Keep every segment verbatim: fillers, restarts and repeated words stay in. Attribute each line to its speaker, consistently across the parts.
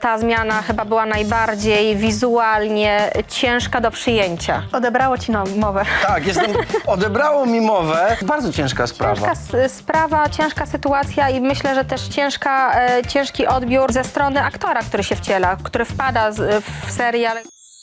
Speaker 1: ta zmiana chyba była najbardziej wizualnie ciężka do przyjęcia. Odebrało ci no, mowę.
Speaker 2: Tak, jestem, odebrało mi mowę. Bardzo ciężka sprawa.
Speaker 1: Ciężka s- sprawa, ciężka sytuacja i myślę, że też ciężka, e, ciężki odbiór ze strony aktora, który się wciela, który wpada z, w serial.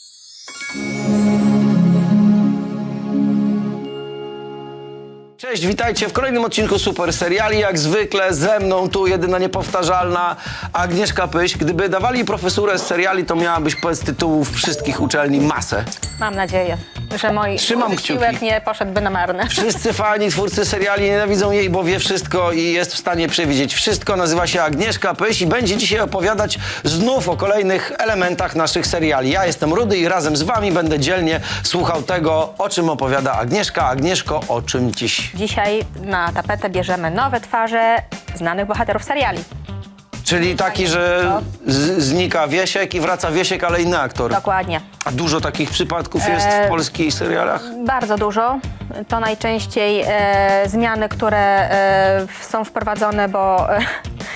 Speaker 2: Cześć, witajcie w kolejnym odcinku Super Seriali. Jak zwykle ze mną tu jedyna niepowtarzalna Agnieszka Pyś. Gdyby dawali profesurę z seriali, to miałabyś z tytułów wszystkich uczelni masę.
Speaker 1: Mam nadzieję, że mój
Speaker 2: Trzymam
Speaker 1: wysiłek
Speaker 2: kciuki.
Speaker 1: nie poszedłby na marne.
Speaker 2: Wszyscy fani, twórcy seriali nienawidzą jej, bo wie wszystko i jest w stanie przewidzieć wszystko. Nazywa się Agnieszka Pyś i będzie dzisiaj opowiadać znów o kolejnych elementach naszych seriali. Ja jestem Rudy i razem z wami będę dzielnie słuchał tego, o czym opowiada Agnieszka. Agnieszko, o czym dziś?
Speaker 1: Dzisiaj na tapetę bierzemy nowe twarze znanych bohaterów seriali.
Speaker 2: Czyli taki, że z- znika Wiesiek i wraca Wiesiek, ale inny aktor.
Speaker 1: Dokładnie.
Speaker 2: A dużo takich przypadków jest
Speaker 1: E,
Speaker 2: w polskich serialach?
Speaker 1: Bardzo dużo. To najczęściej e, zmiany, które e, są wprowadzone, bo e,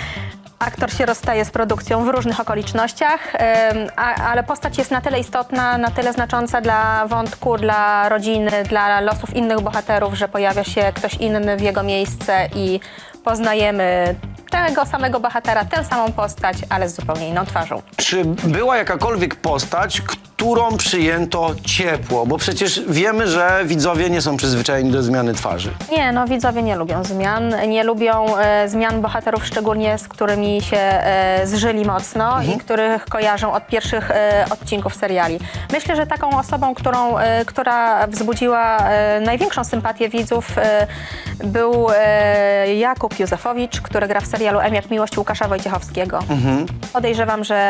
Speaker 1: aktor się rozstaje z produkcją w różnych okolicznościach, e, a, ale postać jest na tyle istotna, na tyle znacząca dla wątku, dla rodziny, dla losów innych bohaterów, że pojawia się ktoś inny w jego miejsce i poznajemy tego samego bohatera, tę samą postać, ale z zupełnie inną twarzą.
Speaker 2: Czy była jakakolwiek postać, którą przyjęto ciepło? Bo przecież wiemy, że widzowie nie są przyzwyczajeni do zmiany twarzy.
Speaker 1: Nie, no widzowie nie lubią zmian, nie lubią e, zmian bohaterów, szczególnie z którymi się e, zżyli mocno i których kojarzą od pierwszych e, odcinków seriali. Myślę, że taką osobą, którą, e, która wzbudziła e, największą sympatię widzów e, był e, Jakub Józefowicz, który gra w serialu M jak miłość Łukasza Wojciechowskiego. Podejrzewam, że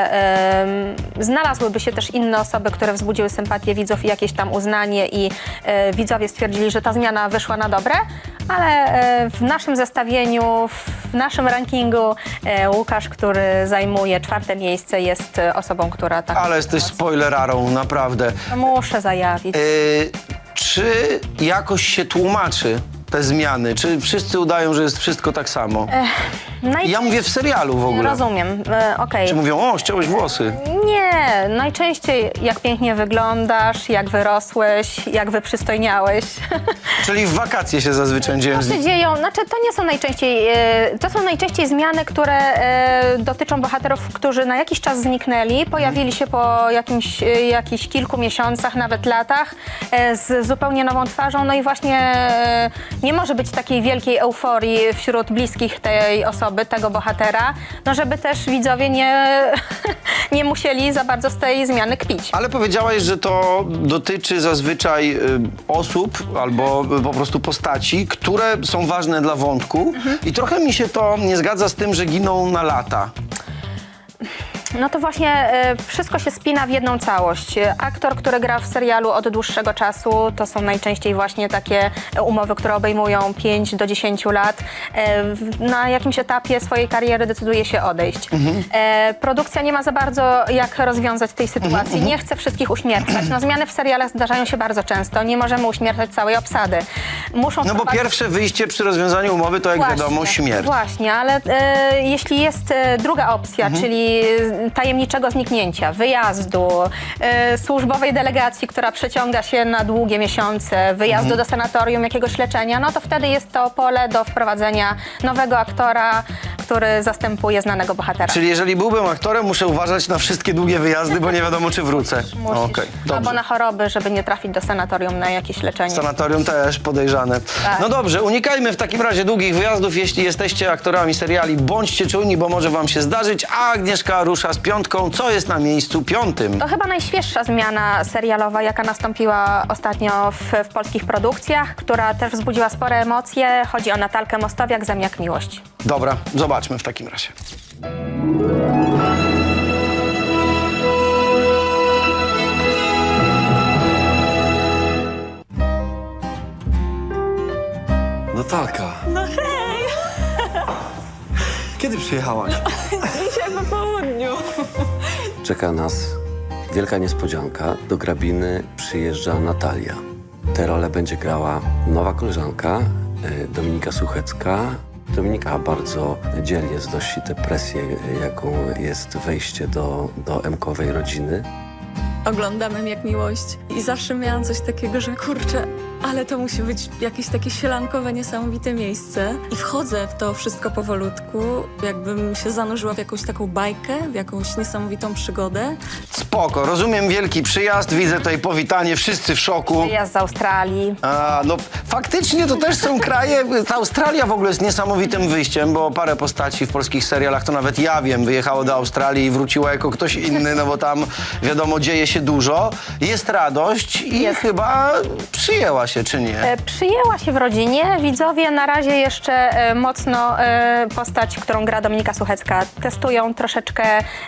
Speaker 1: e, znalazłyby się też inne osoby, które wzbudziły sympatię widzów i jakieś tam uznanie i e, widzowie stwierdzili, że ta zmiana wyszła na dobre, ale e, w naszym zestawieniu, w naszym rankingu e, Łukasz, który zajmuje czwarte miejsce, jest e, osobą, która tak...
Speaker 2: Ale jesteś spoilerarą, naprawdę.
Speaker 1: Muszę zajawić.
Speaker 2: Yy, czy jakoś się tłumaczy te zmiany? Czy wszyscy udają, że jest wszystko tak samo?
Speaker 1: Najczę-
Speaker 2: Ja mówię w serialu w ogóle.
Speaker 1: Rozumiem, e, okej.
Speaker 2: Czy mówią, o, ściąłeś włosy?
Speaker 1: Nie, najczęściej jak pięknie wyglądasz, jak wyrosłeś, jak wyprzystojniałeś.
Speaker 2: Czyli w wakacje się zazwyczaj dzieją.
Speaker 1: To się dzieją, znaczy to nie są najczęściej, e, to są najczęściej zmiany, które e, dotyczą bohaterów, którzy na jakiś czas zniknęli, pojawili się po jakimś, e, jakichś kilku miesiącach, nawet latach, e, z zupełnie nową twarzą, no i właśnie e, nie może być takiej wielkiej euforii wśród bliskich tej osoby, tego bohatera, no żeby też widzowie nie, nie musieli za bardzo z tej zmiany kpić.
Speaker 2: Ale powiedziałaś, że to dotyczy zazwyczaj y, osób albo y, po prostu postaci, które są ważne dla wątku i trochę mi się to nie zgadza z tym, że giną na lata.
Speaker 1: No to właśnie e, wszystko się spina w jedną całość. E, Aktor, który gra w serialu od dłuższego czasu, to są najczęściej właśnie takie e, umowy, które obejmują pięć do dziesięciu lat. E, w- na jakimś etapie swojej kariery decyduje się odejść. E, produkcja nie ma za bardzo jak rozwiązać tej sytuacji. Nie chce wszystkich uśmiercać. No, zmiany w serialach zdarzają się bardzo często. Nie możemy uśmiercać całej obsady. Muszą
Speaker 2: No bo
Speaker 1: wprowadzić-
Speaker 2: pierwsze wyjście przy rozwiązaniu umowy to jak
Speaker 1: Właśnie,
Speaker 2: wiadomo śmierć.
Speaker 1: Właśnie, ale e, jeśli jest e, druga opcja, czyli e, tajemniczego zniknięcia, wyjazdu, e, służbowej delegacji, która przeciąga się na długie miesiące, wyjazdu do sanatorium, jakiegoś leczenia, no to wtedy jest to pole do wprowadzenia nowego aktora, który zastępuje znanego bohatera.
Speaker 2: Czyli jeżeli byłbym aktorem, muszę uważać na wszystkie długie wyjazdy, bo nie wiadomo, czy wrócę.
Speaker 1: Musisz.
Speaker 2: Okej,
Speaker 1: Albo
Speaker 2: dobrze.
Speaker 1: na choroby, żeby nie trafić do sanatorium na jakieś leczenie.
Speaker 2: Sanatorium też podejrzane.
Speaker 1: Tak.
Speaker 2: No dobrze, unikajmy w takim razie długich wyjazdów. Jeśli jesteście aktorami seriali, bądźcie czujni, bo może wam się zdarzyć. A Agnieszka rusza z piątką. Co jest na miejscu piątym?
Speaker 1: To chyba najświeższa zmiana serialowa, jaka nastąpiła ostatnio w, w polskich produkcjach, która też wzbudziła spore emocje. Chodzi o Natalkę Mostowiak, Zem jak miłość.
Speaker 2: Dobra, zobaczmy w takim razie.
Speaker 3: Natalka,
Speaker 4: No hej!
Speaker 3: kiedy przyjechałaś?
Speaker 4: Dzisiaj po południu.
Speaker 5: Czeka nas wielka niespodzianka. Do Grabiny przyjeżdża Natalia. Tę rolę będzie grała nowa koleżanka, y, Dominika Suchecka. Dominika bardzo dzielnie znosi tę presję, jaką jest wejście do, do Emkowej rodziny.
Speaker 4: Oglądam jak miłość i zawsze miałam coś takiego, że kurczę, ale to musi być jakieś takie sielankowe, niesamowite miejsce. I wchodzę w to wszystko powolutku, jakbym się zanurzyła w jakąś taką bajkę, w jakąś niesamowitą przygodę.
Speaker 2: Spoko, rozumiem wielki przyjazd, widzę tutaj powitanie, wszyscy w szoku.
Speaker 1: Wyjazd z Australii.
Speaker 2: A, no faktycznie to też są kraje, ta Australia w ogóle jest niesamowitym wyjściem, bo parę postaci w polskich serialach, to nawet ja wiem, wyjechało do Australii i wróciło jako ktoś inny, no bo tam wiadomo dzieje się dużo, jest radość i
Speaker 1: Jest.
Speaker 2: chyba przyjęła się, czy nie?
Speaker 1: E, Przyjęła się w rodzinie. Widzowie na razie jeszcze e, mocno e, postać, którą gra Dominika Suchecka, testują troszeczkę,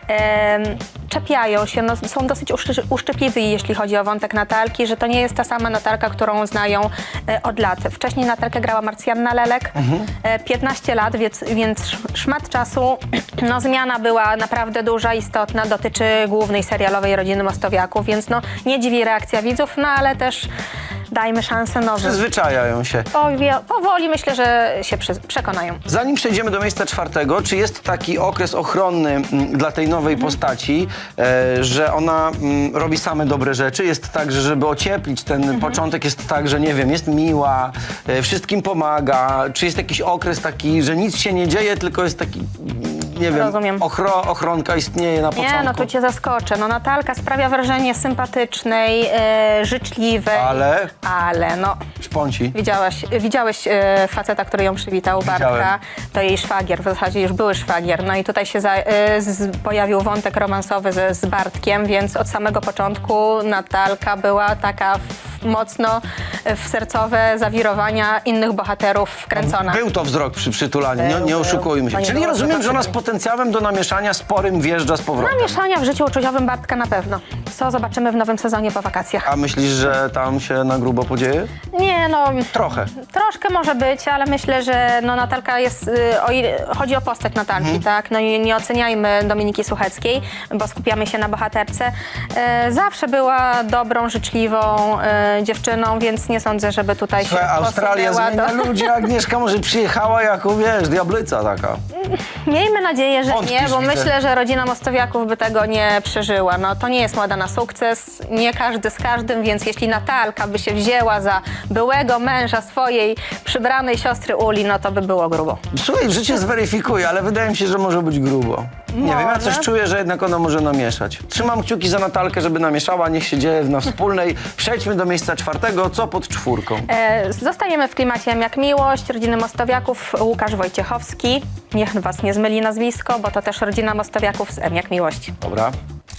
Speaker 1: e, czepiają się, no, są dosyć uszczy, uszczypliwi, jeśli chodzi o wątek Natalki, że to nie jest ta sama Natalka, którą znają e, od lat. Wcześniej Natalkę grała Marcjanna Lelek, e, piętnaście lat, więc, więc szmat czasu. No, zmiana była naprawdę duża, istotna, dotyczy głównej serialowej rodziny Mostowiaków, więc no, nie dziwi reakcja widzów, no ale też dajmy szansę nowym.
Speaker 2: Przyzwyczajają się.
Speaker 1: Powie, powoli myślę, że się przy, przekonają.
Speaker 2: Zanim przejdziemy do miejsca czwartego, czy jest taki okres ochronny m, dla tej nowej postaci, e, że ona m, robi same dobre rzeczy? Jest tak, że żeby ocieplić ten początek, jest tak, że nie wiem, jest miła, e, wszystkim pomaga? Czy jest jakiś okres taki, że nic się nie dzieje, tylko jest taki, m, nie wiem,
Speaker 1: Rozumiem.
Speaker 2: ochro, ochronka istnieje na początku?
Speaker 1: Nie, no tu cię zaskoczę. No Natalka sprawia wrażenie sympatycznej, e, życzliwej.
Speaker 2: Ale?
Speaker 1: Ale no...
Speaker 2: Szponci.
Speaker 1: Widziałeś, widziałeś e, faceta, który ją przywitał, Bartka.
Speaker 2: Widziałem.
Speaker 1: To jej szwagier, w zasadzie już były szwagier. No i tutaj się za, e, z, pojawił wątek romansowy ze, z Bartkiem, więc od samego początku Natalka była taka w, mocno w sercowe zawirowania innych bohaterów wkręcona.
Speaker 2: Był to wzrok przy przytulaniu, nie,
Speaker 1: Był,
Speaker 2: nie
Speaker 1: był.
Speaker 2: oszukujmy się.
Speaker 1: To nie
Speaker 2: Czyli
Speaker 1: było
Speaker 2: rozumiem, że ona z
Speaker 1: zobaczenia.
Speaker 2: potencjałem do namieszania sporym wjeżdża z powrotem.
Speaker 1: Mieszania w życiu uczuciowym Bartka na pewno. Co zobaczymy w nowym sezonie po wakacjach.
Speaker 2: A myślisz, że tam się na grubo podzieje?
Speaker 1: Nie, no...
Speaker 2: Trochę.
Speaker 1: Troszkę może być, ale myślę, że no Natalka jest, y, o ile chodzi o postać Natalki, tak? No i nie oceniajmy Dominiki Sucheckiej, bo skupiamy się na bohaterce. E, zawsze była dobrą, życzliwą e, dziewczyną, więc nie sądzę, żeby tutaj
Speaker 2: Słuchaj,
Speaker 1: się
Speaker 2: Australia
Speaker 1: posunęła
Speaker 2: zmienia
Speaker 1: do...
Speaker 2: ludzi, a Agnieszka może przyjechała jako, wiesz, diablyca taka.
Speaker 1: Miejmy nadzieję, że
Speaker 2: Wątpisz,
Speaker 1: nie, bo
Speaker 2: widzę.
Speaker 1: myślę, że rodzina Mostowiaków by tego nie przeżyła. No to nie jest moda na sukces, nie każdy z każdym, więc jeśli Natalka by się wzięła za byłego męża swojej przybranej siostry Uli, no to by było grubo.
Speaker 2: Słuchaj, życie zweryfikuje, ale wydaje mi się, że może być grubo. Nie wiem, ja coś
Speaker 1: Może.
Speaker 2: czuję, że jednak ona może namieszać. Trzymam kciuki za Natalkę, żeby namieszała, niech się dzieje na wspólnej. Przejdźmy do miejsca czwartego, co pod czwórką?
Speaker 1: E, Zostaniemy w klimacie M jak miłość, rodziny Mostowiaków, Łukasz Wojciechowski. Niech was nie zmyli nazwisko, bo to też rodzina Mostowiaków z M jak miłość.
Speaker 2: Dobra.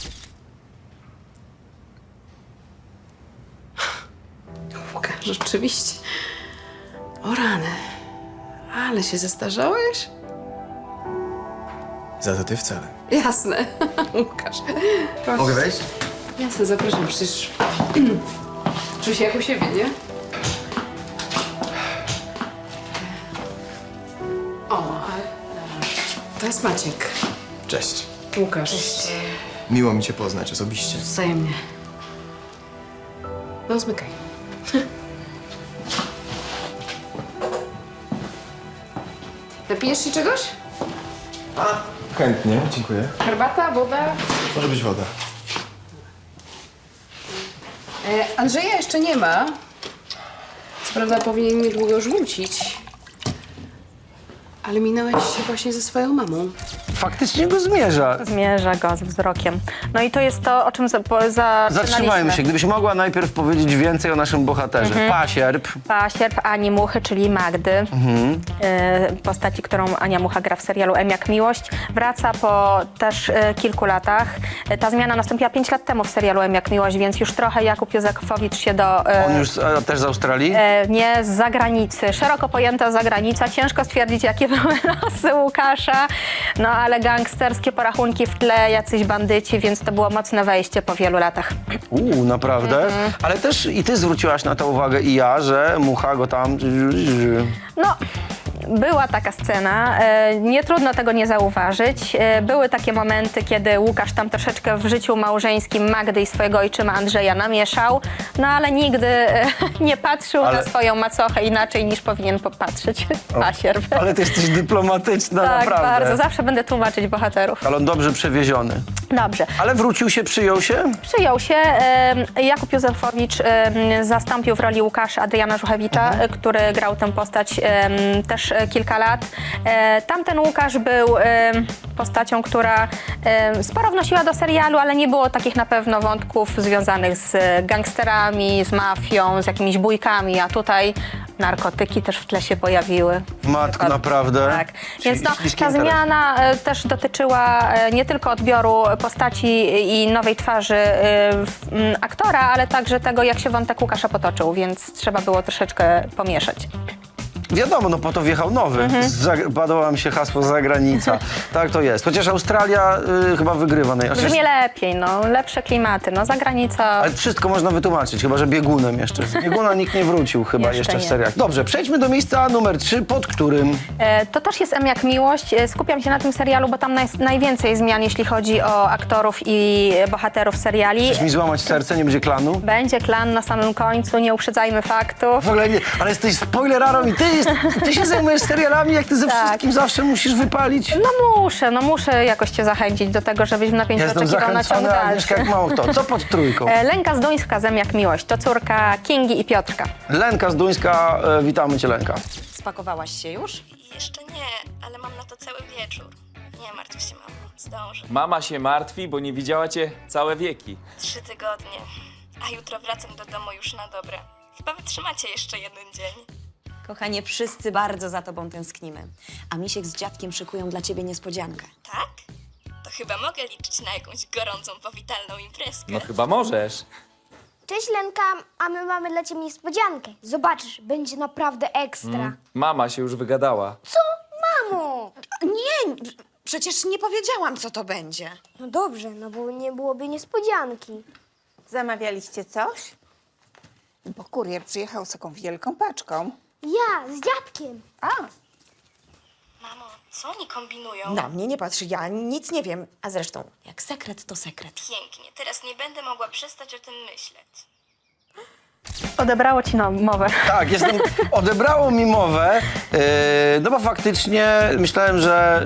Speaker 6: Łukasz, rzeczywiście. O rany. Ale się zestarzałeś?
Speaker 3: Za to ty wcale.
Speaker 6: Jasne. Łukasz. Proszę.
Speaker 3: Mogę wejść?
Speaker 6: Jasne, zapraszam. Przecież czuj się jak u siebie, nie? O, ale... To jest Maciek.
Speaker 3: Cześć.
Speaker 6: Łukasz.
Speaker 3: Miło mi cię poznać osobiście.
Speaker 6: Wzajemnie. No, zmykaj. Napijesz się czegoś?
Speaker 3: Chętnie, dziękuję.
Speaker 6: Herbata, woda?
Speaker 3: Może być woda.
Speaker 6: E, Andrzeja jeszcze nie ma. Co prawda powinien niedługo już wrócić. Ale minąłeś się właśnie ze swoją mamą.
Speaker 2: Faktycznie go zmierza.
Speaker 1: Zmierza go z wzrokiem. No i to jest to, o czym za, po, zaczynaliśmy.
Speaker 2: Zatrzymajmy się. Gdybyś mogła najpierw powiedzieć więcej o naszym bohaterze. Pasierb.
Speaker 1: Pasierb Ani Muchy, czyli Magdy, e, postaci, którą Ania Mucha gra w serialu M jak miłość, wraca po też e, kilku latach. E, ta zmiana nastąpiła pięć lat temu w serialu M jak miłość, więc już trochę Jakub Józefowicz się do... e,
Speaker 2: On już z, a, też z Australii?
Speaker 1: E, nie, z zagranicy. Szeroko pojęta zagranica. Ciężko stwierdzić, jakie były losy Łukasza. No ale gangsterskie porachunki w tle, jacyś bandyci, więc to było mocne wejście po wielu latach.
Speaker 2: Uuu, naprawdę? Ale też i ty zwróciłaś na to uwagę i ja, że Mucha go tam...
Speaker 1: No, była taka scena, e, nie trudno tego nie zauważyć. E, były takie momenty, kiedy Łukasz tam troszeczkę w życiu małżeńskim Magdy i swojego ojczyma Andrzeja namieszał, no ale nigdy e, nie patrzył
Speaker 2: Ale-
Speaker 1: na swoją macochę inaczej niż powinien popatrzeć pasierb.
Speaker 2: Ale ty jesteś dyplomatyczna,
Speaker 1: Tak,
Speaker 2: naprawdę.
Speaker 1: bardzo. Zawsze będę tłumaczyć bohaterów.
Speaker 2: Ale on dobrze przewieziony.
Speaker 1: Dobrze.
Speaker 2: Ale wrócił się, przyjął się?
Speaker 1: Przyjął się. e, Jakub Józefowicz e, zastąpił w roli Łukasza Adriana Żuchewicza,
Speaker 2: Mhm.
Speaker 1: e, który grał tę postać e, też e, kilka lat. E, Tamten Łukasz był e, postacią, która e, sporo wnosiła do serialu, ale nie było takich na pewno wątków związanych z gangsterami, z mafią, z jakimiś bójkami, a tutaj narkotyki też w tle się pojawiły.
Speaker 2: Matko, naprawdę?
Speaker 1: Tak.
Speaker 2: Czyli
Speaker 1: Więc no,
Speaker 2: śliski
Speaker 1: ta
Speaker 2: interes.
Speaker 1: zmiana e, też dotyczyła e, nie tylko odbioru postaci i nowej twarzy e, w- m, aktora, ale także tego, jak się wątek Łukasza potoczył, więc trzeba było troszeczkę pomieszać.
Speaker 2: Wiadomo, no po to wjechał nowy.
Speaker 1: Mhm.
Speaker 2: Zag- Podoba mi się hasło zagranica. Tak to jest. Chociaż Australia y, chyba wygrywa. naj- Chociaż,
Speaker 1: Brzmi lepiej, no, lepsze klimaty, no, za granicą.
Speaker 2: ale wszystko można wytłumaczyć, chyba że biegunem jeszcze. Z bieguna nikt nie wrócił chyba
Speaker 1: Jeszcze
Speaker 2: jeszcze, w
Speaker 1: nie.
Speaker 2: seriach. Dobrze, przejdźmy do miejsca numer trzy, pod którym...
Speaker 1: E, To też jest M jak miłość. E, Skupiam się na tym serialu, bo tam naj, najwięcej zmian, jeśli chodzi o aktorów i bohaterów seriali.
Speaker 2: Chcesz mi złamać serce, nie będzie klanu?
Speaker 1: Będzie klan na samym końcu, nie uprzedzajmy faktów.
Speaker 2: W ogóle nie, ale jesteś spoilerarą i ty, jest, ty się zajmujesz serialami, jak ty ze
Speaker 1: Tak.
Speaker 2: wszystkim zawsze musisz wypalić.
Speaker 1: No muszę, no muszę jakoś cię zachęcić do tego, żebyś w napięciu
Speaker 2: Ja jestem
Speaker 1: oczekiwał na ciąg
Speaker 2: zachęcony, a
Speaker 1: dalszy.
Speaker 2: Agnieszka jak mało kto. Co pod trójką?
Speaker 1: E, Lenka Zduńska, Zem jak miłość. To córka Kingi i Piotrka.
Speaker 2: Lenka Zduńska, e, witamy cię Lenka.
Speaker 7: Spakowałaś się już?
Speaker 8: Jeszcze nie, ale mam na to cały wieczór. Nie martw się, mamo. Zdążę.
Speaker 9: Mama się martwi, bo nie widziała cię całe wieki.
Speaker 8: Trzy tygodnie. A jutro wracam do domu już na dobre. Chyba wytrzymacie jeszcze jeden dzień.
Speaker 7: Kochanie, wszyscy bardzo za tobą tęsknimy. A Misiek z dziadkiem szykują dla ciebie niespodziankę.
Speaker 8: Tak? To chyba mogę liczyć na jakąś gorącą, powitalną imprezkę.
Speaker 9: No chyba możesz.
Speaker 10: Cześć Lenka, a my mamy dla ciebie niespodziankę. Zobaczysz, będzie naprawdę ekstra.
Speaker 9: Mama się już wygadała.
Speaker 10: Mamo!
Speaker 7: Nie, przecież nie powiedziałam, co to będzie.
Speaker 10: No dobrze, no bo nie byłoby niespodzianki.
Speaker 11: Zamawialiście coś? Bo kurier przyjechał z taką wielką paczką.
Speaker 10: Ja, z dziadkiem.
Speaker 11: A,
Speaker 8: Mamo, co oni kombinują?
Speaker 7: Na mnie nie patrzy, ja nic nie wiem. A zresztą, jak sekret, to sekret.
Speaker 8: Pięknie, teraz nie będę mogła przestać o tym myśleć.
Speaker 1: Odebrało ci no, mowę.
Speaker 2: Tak, jestem, odebrało mi mowę, yy, no bo faktycznie myślałem, że...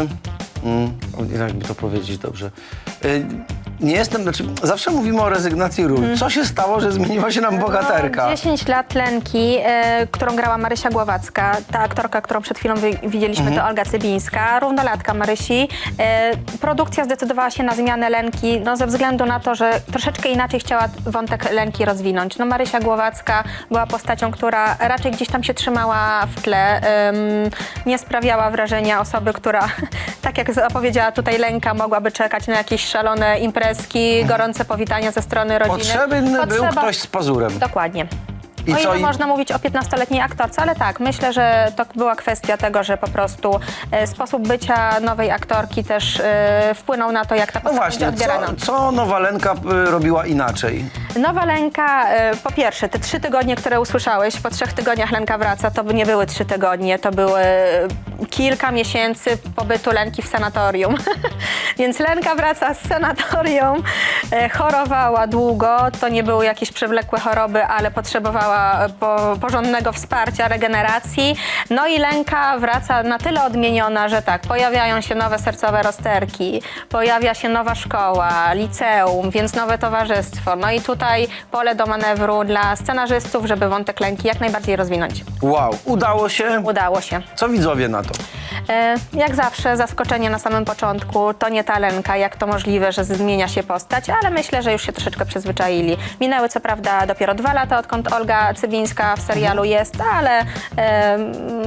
Speaker 2: Yy, mm, jakby to powiedzieć dobrze... Yy, nie jestem, znaczy zawsze mówimy o rezygnacji ról. Co się stało, że zmieniła się nam bohaterka?
Speaker 1: No, dziesięć lat Lenki, e, którą grała Marysia Głowacka. Ta aktorka, którą przed chwilą wi- widzieliśmy, to Olga Cybińska, równolatka Marysi. E, produkcja zdecydowała się na zmianę Lenki, no, ze względu na to, że troszeczkę inaczej chciała wątek Lenki rozwinąć. No, Marysia Głowacka była postacią, która raczej gdzieś tam się trzymała w tle. Em, nie sprawiała wrażenia osoby, która, tak jak zapowiedziała tutaj Lenka, mogłaby czekać na jakieś szalone imprezy, gorące powitania ze strony rodziny.
Speaker 2: Potrzebny był
Speaker 1: Potrzeba-
Speaker 2: ktoś z pazurem.
Speaker 1: Dokładnie.
Speaker 2: I
Speaker 1: o
Speaker 2: co,
Speaker 1: ile
Speaker 2: i-
Speaker 1: można mówić o piętnastoletniej aktorce, ale tak, myślę, że to była kwestia tego, że po prostu e, sposób bycia nowej aktorki też e, wpłynął na to, jak ta
Speaker 2: No
Speaker 1: postać
Speaker 2: właśnie,
Speaker 1: będzie odbierana.
Speaker 2: co, co nowa Lenka y, robiła inaczej?
Speaker 1: Nowa Lenka, e, po pierwsze, te trzy tygodnie, które usłyszałeś, po trzech tygodniach Lenka wraca, to by nie były trzy tygodnie, to były e, kilka miesięcy pobytu Lenki w sanatorium. Więc Lenka wraca z sanatorium, e, chorowała długo, to nie były jakieś przewlekłe choroby, ale potrzebowała po, porządnego wsparcia, regeneracji. No i Lenka wraca na tyle odmieniona, że tak, pojawiają się nowe sercowe rozterki, pojawia się nowa szkoła, liceum, więc nowe towarzystwo. No i tutaj pole do manewru dla scenarzystów, żeby wątek Lenki jak najbardziej rozwinąć.
Speaker 2: Wow, udało się?
Speaker 1: Udało się.
Speaker 2: Co widzowie na to?
Speaker 1: E, Jak zawsze zaskoczenie na samym początku, to nie ta Lenka, jak to możliwe, że zmienia się postać, ale myślę, że już się troszeczkę przyzwyczaili. Minęły co prawda dopiero dwa lata, odkąd Olga Cybińska w serialu jest, ale e,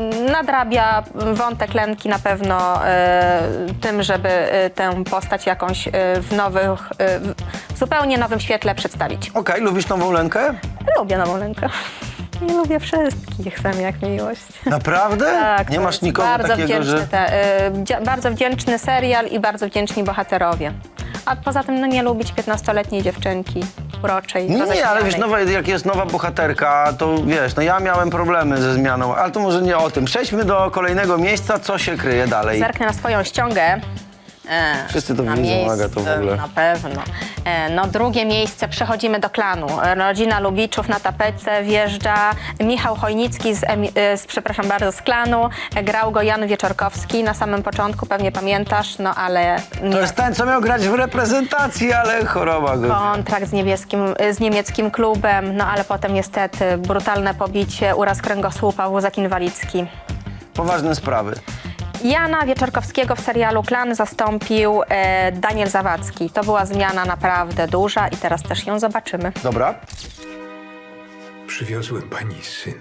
Speaker 1: nadrabia wątek Lenki na pewno e, tym, żeby e, tę postać jakąś e, w nowych, e, w zupełnie nowym świetle przedstawić.
Speaker 2: Okej, lubisz nową Lenkę?
Speaker 1: Lubię nową Lenkę. Nie lubię wszystkich, sam jak miłość.
Speaker 2: Naprawdę?
Speaker 1: Tak,
Speaker 2: Nie
Speaker 1: to
Speaker 2: masz
Speaker 1: jest
Speaker 2: nikogo
Speaker 1: bardzo
Speaker 2: takiego,
Speaker 1: wdzięczny
Speaker 2: że...
Speaker 1: te, y, wdzia- bardzo wdzięczny serial i bardzo wdzięczni bohaterowie. A poza tym no, nie lubić piętnastoletniej dziewczynki. uroczej.
Speaker 2: Nie,
Speaker 1: roześmianej.
Speaker 2: ale wiesz, nowa, jak jest nowa bohaterka, to wiesz, no ja miałem problemy ze zmianą, ale to może nie o tym. Przejdźmy do kolejnego miejsca, co się kryje dalej.
Speaker 1: Zerknę na swoją ściągę. E,
Speaker 2: Wszyscy to
Speaker 1: na
Speaker 2: widzą,
Speaker 1: miejsce,
Speaker 2: Aga, to w ogóle.
Speaker 1: Na pewno. E, no drugie miejsce, przechodzimy do klanu. E, Rodzina Lubiczów, na tapetę wjeżdża Michał Chojnicki z, Emi- e, z, przepraszam bardzo, z klanu. E, grał go Jan Wieczorkowski na samym początku, pewnie pamiętasz, no ale nie.
Speaker 2: To jest ten, co miał grać w reprezentacji, ale choroba go.
Speaker 1: Kontrakt z, niebieskim, z niemieckim klubem, no ale potem niestety brutalne pobicie, uraz kręgosłupa, wózek inwalidzki.
Speaker 2: Poważne sprawy.
Speaker 1: Jana Wieczorkowskiego w serialu Klan zastąpił e, Daniel Zawadzki. To była zmiana naprawdę duża i teraz też ją zobaczymy.
Speaker 2: Dobra.
Speaker 12: Przywiozłem pani syna.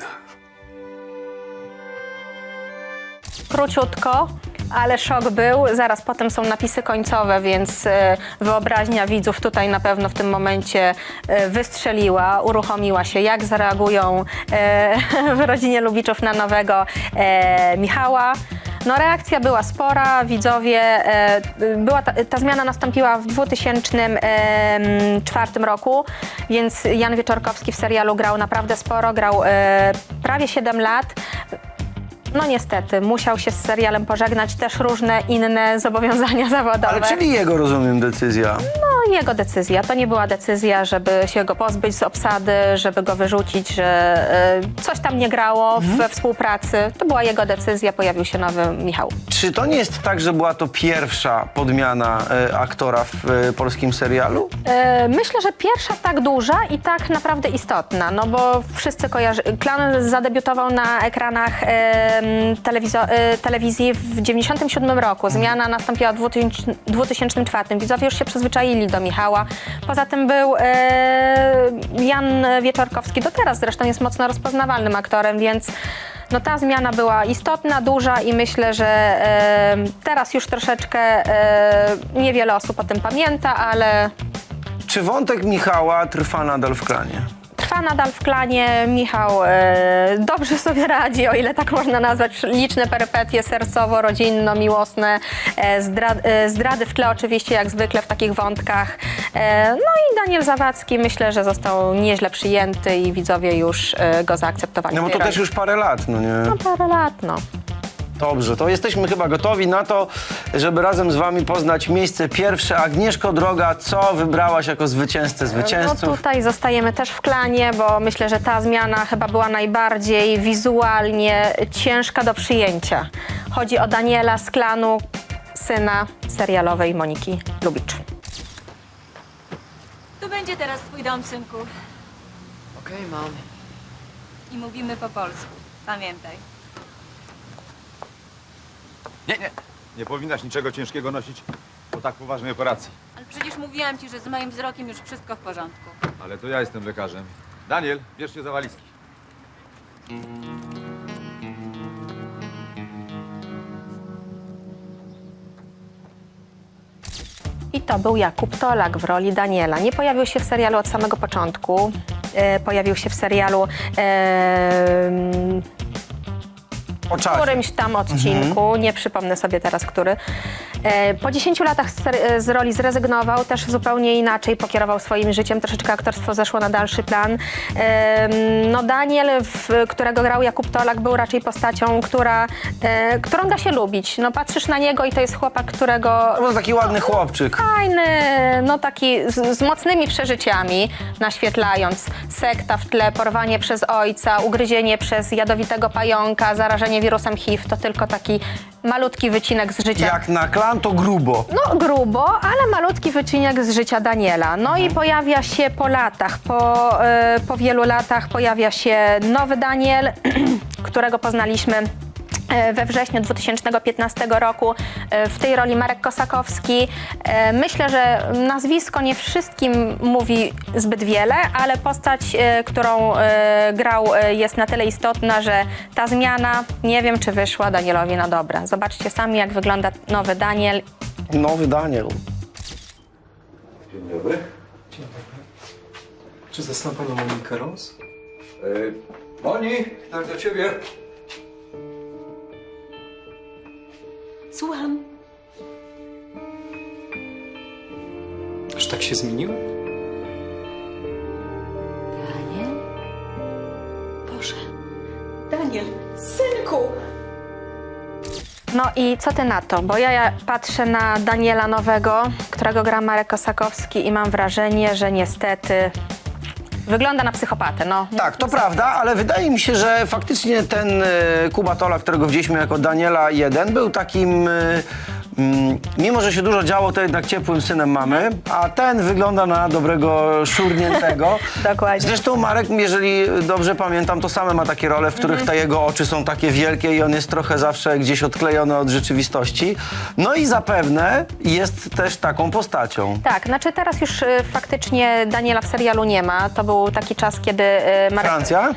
Speaker 1: Króciutko, ale szok był. Zaraz potem są napisy końcowe, więc e, wyobraźnia widzów tutaj na pewno w tym momencie e, wystrzeliła, uruchomiła się. Jak zareagują e, w rodzinie Lubiczów na nowego e, Michała? No reakcja była spora, widzowie, e, była ta, ta zmiana nastąpiła w dwa tysiące czwartym roku, więc Jan Wieczorkowski w serialu grał naprawdę sporo, grał e, prawie siedem lat. No niestety, musiał się z serialem pożegnać, też różne inne zobowiązania zawodowe.
Speaker 2: Ale czyli jego, rozumiem, decyzja.
Speaker 1: No jego decyzja, to nie była decyzja, żeby się go pozbyć z obsady, żeby go wyrzucić, że e, coś tam nie grało we współpracy. To była jego decyzja, pojawił się nowy Michał.
Speaker 2: Czy to nie jest tak, że była to pierwsza podmiana e, aktora w e, polskim serialu?
Speaker 1: E, myślę, że pierwsza tak duża i tak naprawdę istotna, no bo wszyscy kojarzy... Klan zadebiutował na ekranach e, telewizo- e, telewizji w dziewięćdziesiątym siódmym roku. Zmiana nastąpiła w dwa tysiące czwartym. Widzowie już się przyzwyczaili do Michała. Poza tym był e, Jan Wieczorkowski, do teraz zresztą jest mocno rozpoznawalnym aktorem, więc no ta zmiana była istotna, duża i myślę, że e, teraz już troszeczkę e, niewiele osób o tym pamięta, ale
Speaker 2: Czy wątek Michała trwa nadal w klanie?
Speaker 1: trwa nadal w klanie. Michał e, dobrze sobie radzi, o ile tak można nazwać. Liczne perypetie sercowo-rodzinno-miłosne, e, zdra, e, zdrady w tle oczywiście, jak zwykle w takich wątkach. E, no i Daniel Zawadzki myślę, że został nieźle przyjęty i widzowie już e, go zaakceptowali.
Speaker 2: No bo
Speaker 1: w
Speaker 2: to
Speaker 1: tej
Speaker 2: też
Speaker 1: roli.
Speaker 2: już parę lat, no nie?
Speaker 1: No parę lat, no.
Speaker 2: Dobrze, to jesteśmy chyba gotowi na to, żeby razem z wami poznać miejsce pierwsze. Agnieszko droga, co wybrałaś jako zwycięzcę zwycięzców?
Speaker 1: No tutaj zostajemy też w klanie, bo myślę, że ta zmiana chyba była najbardziej wizualnie ciężka do przyjęcia. Chodzi o Daniela z klanu, syna serialowej Moniki Lubicz.
Speaker 8: Tu będzie teraz twój dom, synku.
Speaker 6: Okej, mam.
Speaker 8: I mówimy po polsku. Pamiętaj.
Speaker 12: Nie, nie. Nie powinnaś niczego ciężkiego nosić po tak poważnej operacji.
Speaker 8: Ale przecież mówiłam ci, że z moim wzrokiem już wszystko w porządku.
Speaker 12: Ale to ja jestem lekarzem. Daniel, bierz się za walizki.
Speaker 1: I to był Jakub Tolak w roli Daniela. Nie pojawił się w serialu od samego początku. E, pojawił się w serialu e,
Speaker 2: O
Speaker 1: w
Speaker 2: czasie.
Speaker 1: którymś tam odcinku, nie przypomnę sobie teraz, który. E, po dziesięciu latach z, ser- z roli zrezygnował, też zupełnie inaczej pokierował swoim życiem, troszeczkę aktorstwo zeszło na dalszy plan. E, no Daniel, w, którego grał Jakub Tolak, był raczej postacią, która, e, którą da się lubić. No patrzysz na niego i to jest chłopak, którego...
Speaker 2: To był taki ładny chłopczyk.
Speaker 1: Fajny, no taki z, z mocnymi przeżyciami, naświetlając sekta w tle, porwanie przez ojca, ugryzienie przez jadowitego pająka, zarażenie wirusem H I V, to tylko taki malutki wycinek z życia.
Speaker 2: Jak na klan, to grubo.
Speaker 1: No grubo, ale malutki wycinek z życia Daniela. No i pojawia się po latach, po, y, po wielu latach pojawia się nowy Daniel, którego poznaliśmy we wrześniu dwa tysiące piętnastego roku. W tej roli Marek Kosakowski. Myślę, że nazwisko nie wszystkim mówi zbyt wiele, ale postać, którą grał, jest na tyle istotna, że ta zmiana, nie wiem, czy wyszła Danielowi na dobre. Zobaczcie sami, jak wygląda nowy Daniel.
Speaker 2: Nowy Daniel.
Speaker 12: Dzień dobry.
Speaker 3: Dzień dobry. Czy zasnął panią Monikę Ros?
Speaker 12: Yy, Moni, tak do ciebie.
Speaker 8: Słucham.
Speaker 3: Aż tak się zmienił?
Speaker 4: Daniel, synku!
Speaker 1: No i co ty na to? Bo ja, ja patrzę na Daniela nowego, którego gra Marek Kosakowski i mam wrażenie, że niestety wygląda na psychopatę, no.
Speaker 2: Tak, to prawda, ale wydaje mi się, że faktycznie ten e, Kuba Tola, którego widzieliśmy jako Daniela jeden, był takim, e, mm, mimo że się dużo działo, to jednak ciepłym synem mamy, a ten wygląda na dobrego szurniętego.
Speaker 1: Dokładnie.
Speaker 2: Zresztą Marek, jeżeli dobrze pamiętam, to same ma takie role, w których te jego oczy są takie wielkie i on jest trochę zawsze gdzieś odklejony od rzeczywistości. No i zapewne jest też taką postacią.
Speaker 1: Tak, znaczy teraz już y, faktycznie Daniela w serialu nie ma. To był taki czas, kiedy y, Marek...
Speaker 2: Francja?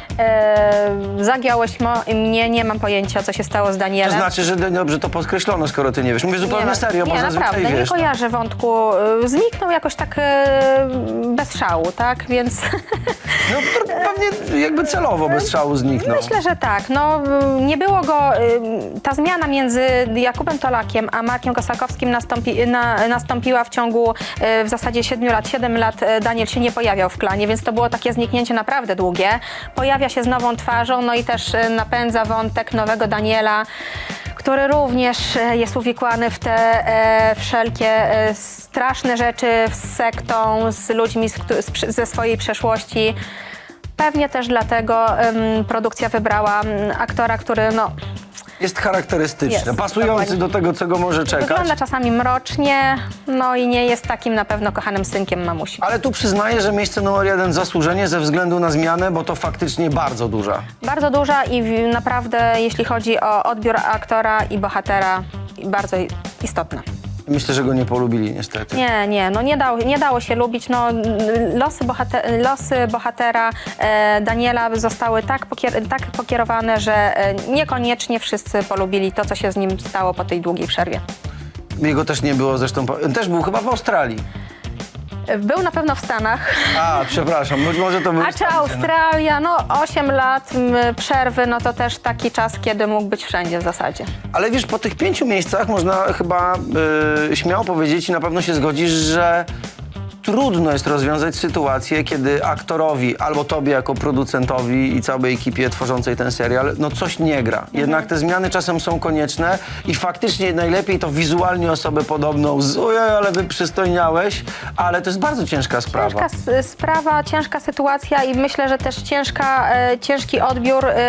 Speaker 1: Y, zagiąłeś mo- mnie, nie mam pojęcia, co się stało z Danielem.
Speaker 2: To znaczy, że dobrze to podkreślono, skoro ty nie wiesz. Mówię zupełnie
Speaker 1: ma-
Speaker 2: serio, bo
Speaker 1: nie,
Speaker 2: zazwyczaj
Speaker 1: naprawdę,
Speaker 2: wiesz.
Speaker 1: nie kojarzę wątku. Y, Zniknął jakoś tak y, bez szału, tak? Więc
Speaker 2: No to pewnie jakby celowo bez szału zniknął.
Speaker 1: myślę, że tak. No, y, nie było go... y, Ta zmiana między Jakubem Tolakiem a Markiem Kosakowskim nastąpi, na, nastąpiła w ciągu y, w zasadzie siedmiu lat. Siedem lat y, Daniel się nie pojawiał w klanie, więc to było takie zniknięcie naprawdę długie. Pojawia się z nową twarzą, no i też y, napędza wątek nowego Daniela, który również e, jest uwikłany w te e, wszelkie e, straszne rzeczy z sektą, z ludźmi z, któ- z, prze- ze swojej przeszłości. Pewnie też dlatego em, produkcja wybrała m, aktora, który no,
Speaker 2: Jest charakterystyczny,
Speaker 1: Jest,
Speaker 2: pasujący
Speaker 1: dokładnie.
Speaker 2: do tego, czego może czekać.
Speaker 1: wygląda czasami mrocznie, no i nie jest takim na pewno kochanym synkiem mamusi.
Speaker 2: Ale tu przyznaję, że miejsce numer jeden zasłużenie ze względu na zmianę, bo to faktycznie bardzo duża.
Speaker 1: Bardzo duża i w- naprawdę, jeśli chodzi o odbiór aktora i bohatera, bardzo i- istotna.
Speaker 2: Myślę, że go nie polubili niestety.
Speaker 1: Nie, nie, no nie dało, nie dało się lubić. No, losy, bohater, losy bohatera e, Daniela zostały tak, pokier tak pokierowane, że e, niekoniecznie wszyscy polubili to, co się z nim stało po tej długiej przerwie.
Speaker 2: Jego też nie było zresztą, po- też był chyba w Australii.
Speaker 1: Był na pewno w Stanach.
Speaker 2: A, przepraszam, być może to był
Speaker 1: A czy Australia, no osiem lat m, przerwy, no to też taki czas, kiedy mógł być wszędzie w zasadzie.
Speaker 2: Ale wiesz, po tych pięciu miejscach można chyba y, śmiało powiedzieć i na pewno się zgodzisz, że trudno jest rozwiązać sytuację, kiedy aktorowi albo tobie jako producentowi i całej ekipie tworzącej ten serial, no coś nie gra. Jednak te zmiany czasem są konieczne i faktycznie najlepiej to wizualnie osobę podobną z ojej, ale wy przystojniałeś, ale to jest bardzo ciężka sprawa.
Speaker 1: Ciężka s- sprawa, ciężka sytuacja i myślę, że też ciężka, e, ciężki odbiór e,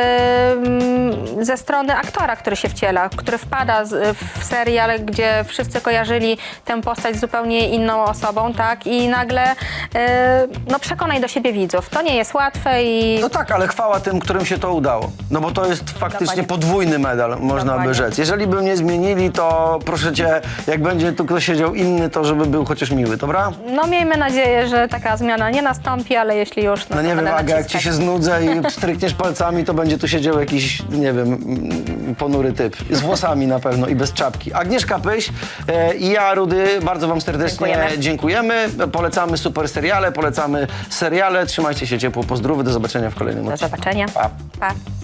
Speaker 1: mm, ze strony aktora, który się wciela, który wpada z, w serial, gdzie wszyscy kojarzyli tę postać z zupełnie inną osobą, tak? I nagle e, no przekonaj do siebie widzów. To nie jest łatwe i...
Speaker 2: No tak, ale chwała tym, którym się to udało. No bo to jest faktycznie
Speaker 1: Dokładnie.
Speaker 2: podwójny medal, można
Speaker 1: Dokładnie.
Speaker 2: by rzec. Jeżeli by mnie zmienili, to proszę cię, jak będzie tu ktoś siedział inny, to żeby był chociaż miły, dobra?
Speaker 1: No miejmy nadzieję, że taka zmiana nie nastąpi, ale jeśli już, no,
Speaker 2: No
Speaker 1: to
Speaker 2: nie wiem,
Speaker 1: będę
Speaker 2: Aga, jak ci
Speaker 1: naciskać.
Speaker 2: się znudzę i strykniesz palcami, to będzie tu siedział jakiś, nie wiem, mm, ponury typ. Z włosami na pewno i bez czapki. Agnieszka Pyś e, i ja, Rudy, bardzo wam serdecznie
Speaker 1: Dziękujemy.
Speaker 2: dziękujemy. Polecamy super seriale, polecamy seriale. Trzymajcie się ciepło, pozdrowy, do zobaczenia w kolejnym
Speaker 1: Do
Speaker 2: odcinku.
Speaker 1: zobaczenia.
Speaker 2: Pa.
Speaker 1: Pa.